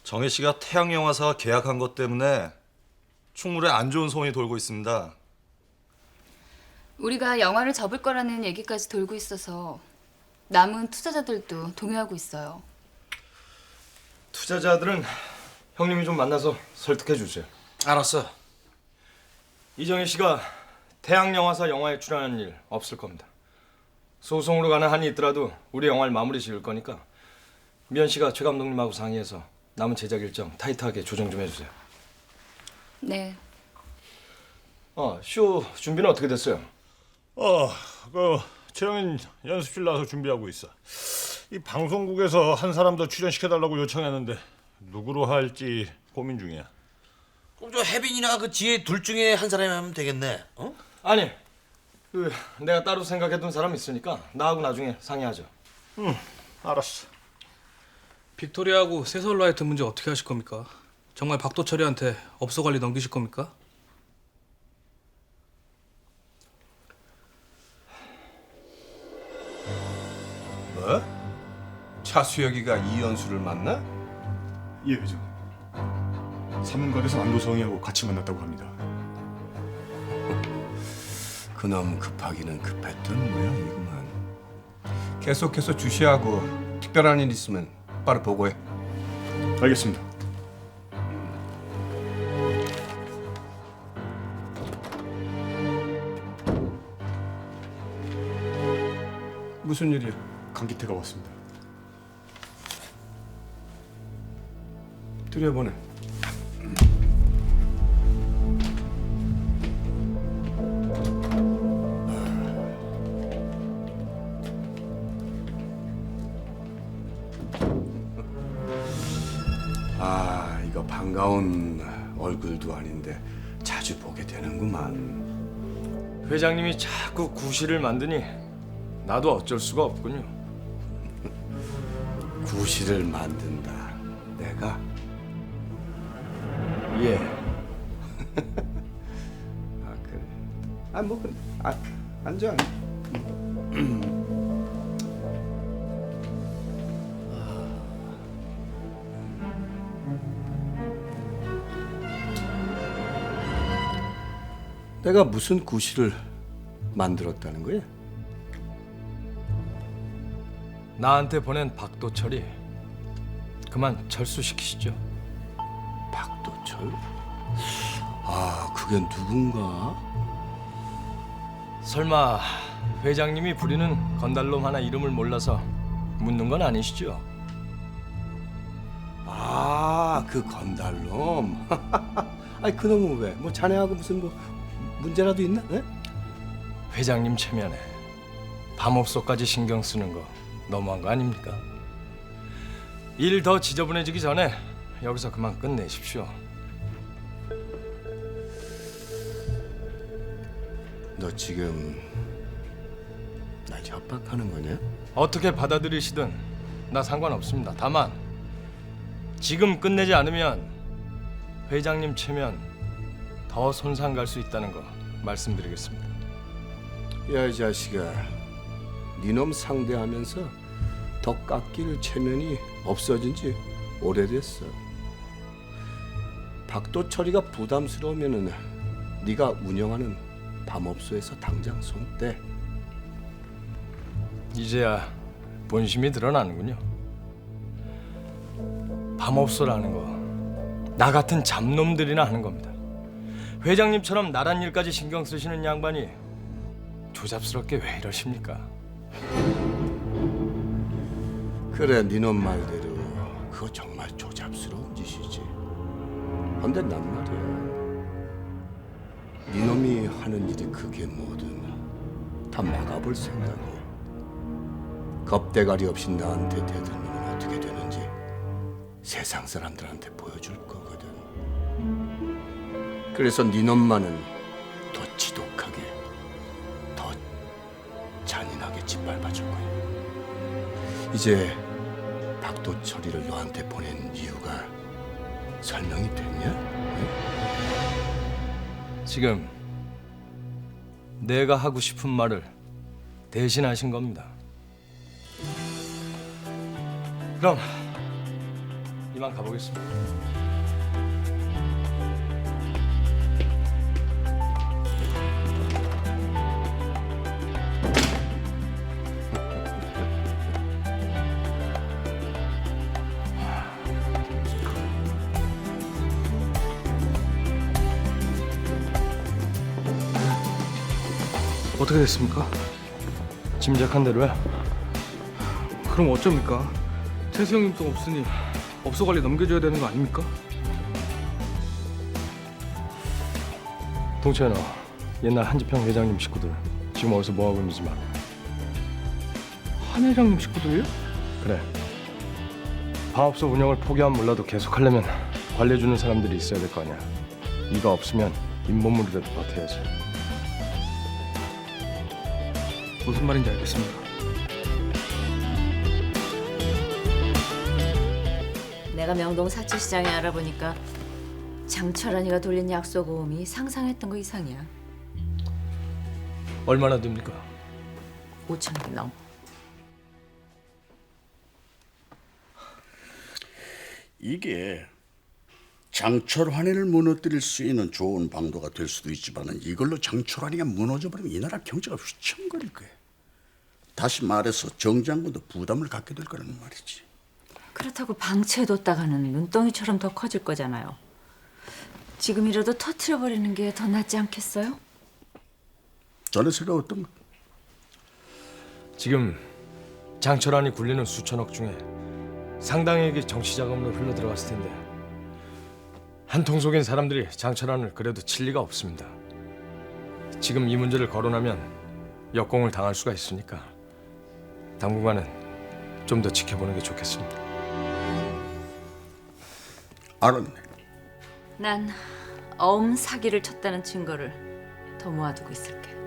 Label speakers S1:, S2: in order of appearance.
S1: 정혜 씨가 태양영화사와 계약한 것 때문에 충무로에 안 좋은 소문이 돌고 있습니다.
S2: 우리가 영화를 접을 거라는 얘기까지 돌고 있어서 남은 투자자들도 동요하고 있어요.
S3: 투자자들은 형님이 좀 만나서 설득해 주세요.
S4: 알았어.
S3: 이정희 씨가 태양영화사 영화에 출연하는 일 없을 겁니다. 소송으로 가는 한이 있더라도 우리 영화를 마무리 지을 거니까 미연 씨가 최 감독님하고 상의해서 남은 제작 일정 타이트하게 조정 좀 해주세요.
S2: 네.
S3: 쇼 준비는 어떻게 됐어요?
S5: 최영인 연습실 나와서 준비하고 있어. 이 방송국에서 한 사람 더 출연시켜달라고 요청했는데 누구로 할지 고민 중이야.
S4: 그럼 저 혜빈이나 그 지혜 둘 중에 한 사람이 하면 되겠네. 어?
S3: 아니, 내가 따로 생각해둔 사람 있으니까 나하고 나중에 상의하죠.
S5: 알았어.
S6: 빅토리아하고 세설라이트 문제 어떻게 하실 겁니까? 정말 박도철이한테 업소 관리 넘기실 겁니까?
S7: 뭐? 차수혁이가 이연수를 만나?
S8: 예, 회장. 사문관에서 안도성이하고 같이 만났다고 합니다.
S7: 그놈 급하기는 급했던 모양이구만. 계속해서 주시하고 특별한 일 있으면 바로 보고해.
S8: 알겠습니다.
S7: 무슨 일이야?
S8: 강기태가 왔습니다.
S7: 들여보내. 이거 반가운 얼굴도 아닌데 자주 보게 되는구만.
S3: 회장님이 자꾸 구실을 만드니 나도 어쩔 수가 없군요.
S7: 구실을 만든다. 내가?
S3: 예.
S7: 그래. 뭐 그래. 앉아. 내가 무슨 구실을 만들었다는 거야?
S3: 나한테 보낸 박도철이 그만 철수시키시죠.
S7: 박도철? 그게 누군가?
S3: 설마 회장님이 부리는 건달놈 하나 이름을 몰라서 묻는 건 아니시죠?
S7: 그 건달놈. 그놈은 왜? 뭐 자네하고 무슨 문제라도 있나? 에?
S3: 회장님 체면에 밤업소까지 신경 쓰는 거 너무한 거 아닙니까? 일 더 지저분해지기 전에 여기서 그만 끝내십시오.
S7: 너 지금 날 협박하는 거냐?
S3: 어떻게 받아들이시든 나 상관없습니다. 다만 지금 끝내지 않으면 회장님 체면 더 손상 갈 수 있다는 거 말씀드리겠습니다.
S7: 야, 이 자식아. 니놈 상대하면서 더 깎일 체면이 없어진 지 오래됐어. 박도철이가 부담스러우면은 네가 운영하는 밤업소에서 당장 손 떼.
S3: 이제야 본심이 드러나는군요. 밤업소라는 거 나 같은 잡놈들이나 하는 겁니다. 회장님처럼 나란 일까지 신경 쓰시는 양반이 조잡스럽게 왜 이러십니까?
S7: 그래, 니놈 말대로 그거 정말 조잡스러운 짓이지. 근데 난 말이야, 니놈이 하는 일이 그게 뭐든 다 막아볼 생각이야. 겁대가리 없이 나한테 대들면 어떻게 되는지 세상 사람들한테 보여줄 거거든. 그래서 니놈만은 더 지독하게, 더 잔인하게 짓밟아줄 거야. 이제 박도철이를 너한테 보낸 이유가 설명이 됐냐? 응?
S3: 지금 내가 하고 싶은 말을 대신하신 겁니다. 그럼 이만 가보겠습니다.
S6: 어떻게 됐습니까?
S3: 짐작한 대로야.
S6: 그럼 어쩝니까? 태수 형님 돈 없으니 업소 관리 넘겨줘야 되는 거 아닙니까?
S3: 동천아, 옛날 한지평 회장님 식구들 지금 어디서 뭐하고 있는지 말.
S6: 한 회장님 식구들이요?
S3: 그래. 방업소 운영을 포기하면 몰라도 계속하려면 관리해주는 사람들이 있어야 될 거 아니야. 네가 없으면 잇몸물이라도 버텨야지.
S6: 무슨 말인지 알겠습니다.
S9: 내가 명동 사치시장에 알아보니까 장철환이가 돌린 약속 오음이 상상했던 거 이상이야.
S3: 얼마나 됩니까?
S9: 5,000개 넘어.
S10: 이게 장철환이를 무너뜨릴 수 있는 좋은 방도가 될 수도 있지만 이걸로 장철환이가 무너져버리면 이 나라 경제가 휘청거릴 거야. 다시 말해서 정 장군도 부담을 갖게 될 거라는 말이지.
S9: 그렇다고 방치해뒀다가는 눈덩이처럼 더 커질 거잖아요. 지금이라도 터트려버리는 게 더 낫지 않겠어요?
S10: 전에 생각 어떤가?
S3: 지금 장철환이 굴리는 수천억 중에 상당액이 정치 자금으로 흘러 들어갔을 텐데 한통 속인 사람들이 장철환을 그래도 칠 리가 없습니다. 지금 이 문제를 거론하면 역공을 당할 수가 있으니까 당분간은 좀 더 지켜보는 게 좋겠습니다.
S10: 알았네.
S9: 난 어음 사기를 쳤다는 증거를 더 모아두고 있을게.